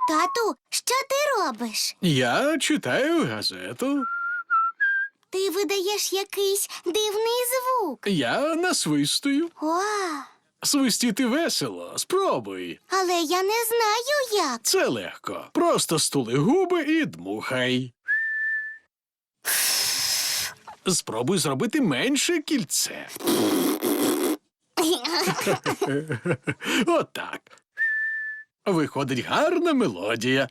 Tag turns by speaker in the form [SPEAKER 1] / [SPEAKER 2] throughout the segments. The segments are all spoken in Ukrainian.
[SPEAKER 1] Тату, що ти робиш?
[SPEAKER 2] Я читаю газету.
[SPEAKER 1] Ти видаєш якийсь дивний звук.
[SPEAKER 2] Я насвистую.
[SPEAKER 1] О,
[SPEAKER 2] Свистіти весело. Спробуй.
[SPEAKER 1] але я не знаю як.
[SPEAKER 2] Це легко. Просто стули губи і дмухай. Спробуй зробити менше кільце. Отак. Виходить гарна мелодія.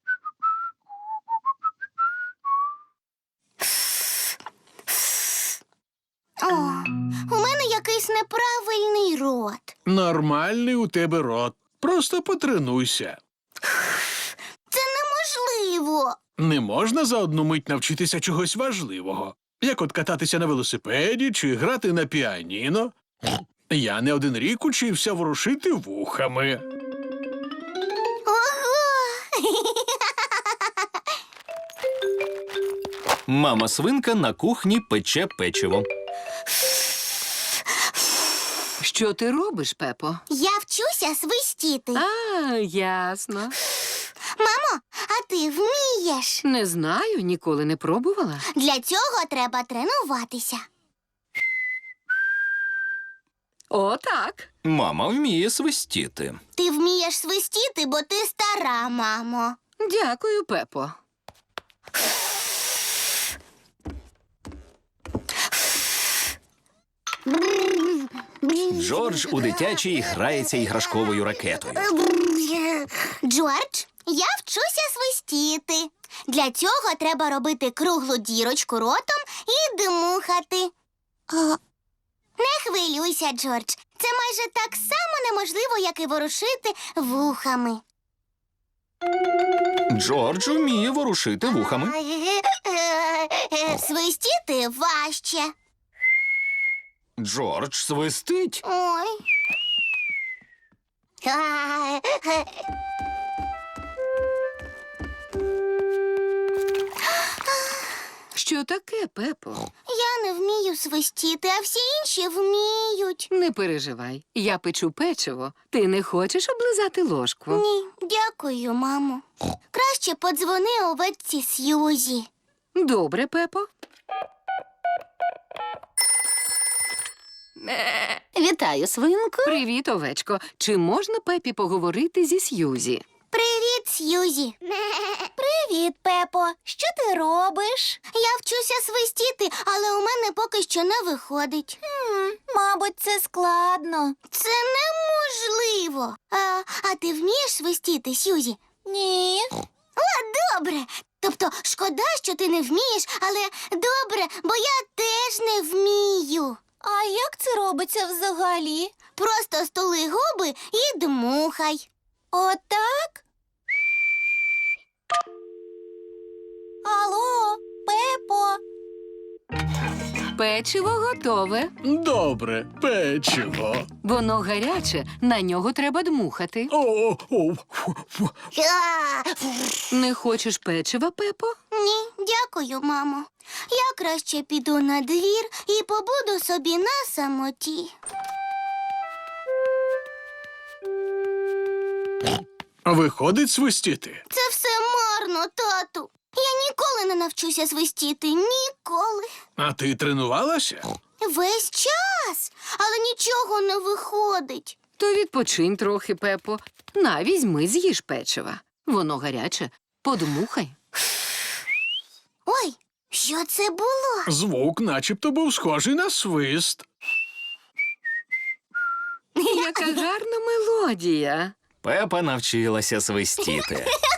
[SPEAKER 1] О, у мене якийсь неправильний рот.
[SPEAKER 2] Нормальний у тебе рот. Просто потренуйся.
[SPEAKER 1] Це неможливо.
[SPEAKER 2] Не можна за одну мить навчитися чогось важливого, як от кататися на велосипеді чи грати на піаніно. Я не один рік учився ворушити вухами.
[SPEAKER 1] Ого!
[SPEAKER 3] Мама свинка на кухні пече печиво.
[SPEAKER 4] Що ти робиш, Пепо?
[SPEAKER 1] Я вчуся свистіти.
[SPEAKER 4] А, ясно.
[SPEAKER 1] Мамо, а ти вмієш?
[SPEAKER 4] Не знаю, ніколи не пробувала.
[SPEAKER 1] Для цього треба тренуватися.
[SPEAKER 4] О, так.
[SPEAKER 3] Мама вміє свистіти.
[SPEAKER 1] Ти вмієш свистіти, бо ти стара, мамо.
[SPEAKER 4] Дякую, Пепо.
[SPEAKER 3] Джордж у дитячій грається іграшковою ракетою.
[SPEAKER 1] Джордж, я вчуся свистіти. Для цього треба робити круглу дірочку ротом і дмухати. Не хвилюйся, Джордж. Це майже так само неможливо, як і ворушити вухами.
[SPEAKER 3] Джордж вміє ворушити вухами.
[SPEAKER 1] Свистіти важче.
[SPEAKER 3] Джордж свистить.
[SPEAKER 1] Ой.
[SPEAKER 4] Що таке, Пепо?
[SPEAKER 1] Я не вмію свистіти, а всі інші вміють.
[SPEAKER 4] Не переживай. Я печу печиво. Ти не хочеш облизати ложку?
[SPEAKER 1] Ні, дякую, мамо. Краще подзвони овечці Сьюзі.
[SPEAKER 4] Добре, Пепо.
[SPEAKER 5] Вітаю, свинку.
[SPEAKER 4] Привіт, овечко. Чи можна Пепі поговорити зі Сьюзі?
[SPEAKER 1] Привіт, Сьюзі. Привіт, Пепо. Що ти робиш? Я вчуся свистіти, але у мене поки що не виходить. Мабуть, це складно. Це неможливо. А ти вмієш свистіти, Сьюзі? Ні. О, добре. Тобто, шкода, що ти не вмієш, але добре, бо я теж не вмію. А як це робиться взагалі? Просто стули губи і дмухай. Отак? Алло, Пепо.
[SPEAKER 4] Печиво готове.
[SPEAKER 2] Добре, печиво.
[SPEAKER 4] Воно гаряче, на нього треба дмухати.
[SPEAKER 2] Фу.
[SPEAKER 4] Не хочеш печива, Пепо?
[SPEAKER 1] Ні, дякую, мамо. Я краще піду на двір і побуду собі на самоті.
[SPEAKER 2] Виходить свистіти.
[SPEAKER 1] Це все марно, тату. Я ніколи не навчуся свистіти. Ніколи.
[SPEAKER 2] А ти тренувалася?
[SPEAKER 1] Весь час. Але нічого не виходить.
[SPEAKER 4] То відпочинь трохи, Пепо. На, візьми, з'їж печива. Воно гаряче. Подмухай.
[SPEAKER 1] Ой, що це було?
[SPEAKER 2] Звук начебто був схожий на свист.
[SPEAKER 4] Яка гарна мелодія.
[SPEAKER 3] Пепа навчилася свистіти.